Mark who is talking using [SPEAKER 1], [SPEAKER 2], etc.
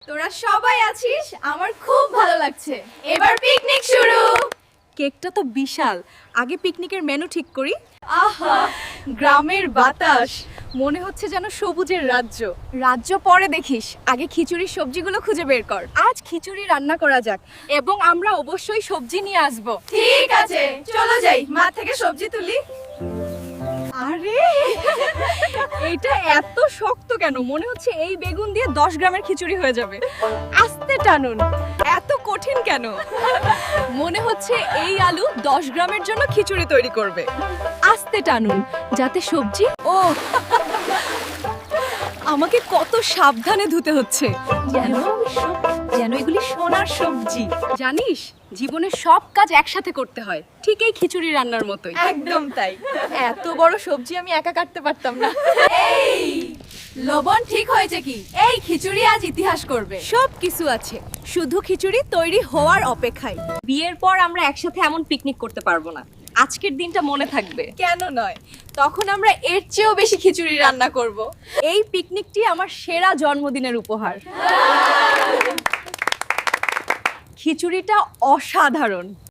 [SPEAKER 1] তোরা সবাই আছিস, আমার খুব ভালো লাগছে। এবার পিকনিক শুরু।
[SPEAKER 2] কেকটা তো বিশাল, আগে পিকনিকের মেনু ঠিক করি।
[SPEAKER 1] আহা, গ্রামের বাতাস, মনে হচ্ছে যেন সবুজের রাজ্য।
[SPEAKER 2] রাজ্য পরে দেখিস, আগে খিচুড়ির সবজিগুলো খুঁজে বের কর। আজ খিচুড়ি রান্না করা যাক এবং আমরা অবশ্যই সবজি নিয়ে আসব।
[SPEAKER 1] ঠিক আছে, চলো যাই, মাঠ থেকে সবজি তুলি।
[SPEAKER 2] আরে এটা এত শক্ত কেন? মনে হচ্ছে এই বেগুন দিয়ে 10 গ্রামের খিচুড়ি হয়ে যাবে। আস্তে টানুন, এত কঠিন কেন? মনে হচ্ছে এই আলু 10 গ্রামের জন্য খিচুড়ি তৈরি করবে। আস্তে টানুন যাতে সবজি ও আমাকে কত সাবধানে ধুতে হচ্ছে, যেন এগুলি সোনার সবজি। জানিস, জীবনে সব কাজ একসাথে করতে হয়, ঠিক এই খিচুড়ি রান্নার মতোই।
[SPEAKER 1] একদম তাই।
[SPEAKER 2] এত বড় সবজি আমি একা কাটতে পারতাম না।
[SPEAKER 1] এই লবণ ঠিক হয়েছে কি? এই খিচুড়ি আজ ইতিহাস করবে।
[SPEAKER 2] সব কিছু আছে, শুধু খিচুড়ি তৈরি হওয়ার অপেক্ষায়। বিয়ের পর আমরা একসাথে এমন পিকনিক করতে পারবো না। আজকের দিনটা মনে থাকবে।
[SPEAKER 1] কেন নয়, তখন আমরা এর চেয়েও বেশি খিচুড়ি রান্না করব।
[SPEAKER 2] এই পিকনিকটি আমার সেরা জন্মদিনের উপহার। খিচুড়িটা অসাধারণ।